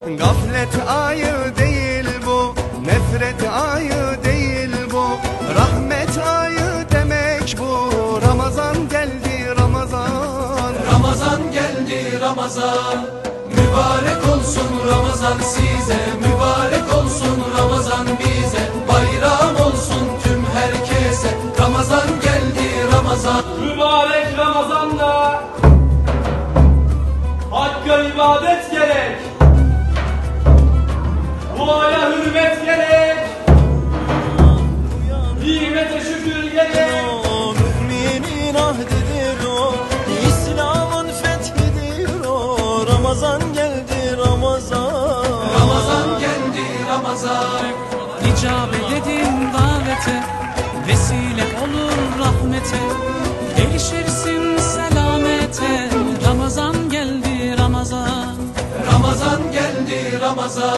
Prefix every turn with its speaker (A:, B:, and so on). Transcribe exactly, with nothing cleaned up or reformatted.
A: Gaflet ayı değil bu, nefret ayı değil bu, rahmet ayı demek bu. Ramazan geldi Ramazan,
B: Ramazan geldi Ramazan. Mübarek olsun Ramazan size, mübarek olsun Ramazan bize. Bayram olsun tüm herkese, Ramazan geldi Ramazan.
C: Mübarek Ramazan'da Hakk'a ibadet gerek, duaya hürmet gerek, nimete şükür gerek.
D: O müminin ahdidir o, İslam'ın fethidir o. Ramazan geldi Ramazan,
B: Ramazan geldi Ramazan.
E: İcabet edin davete, vesile olur rahmete, erişirsin selamete. Ramazan geldi Ramazan,
B: Ramazan geldi Ramazan.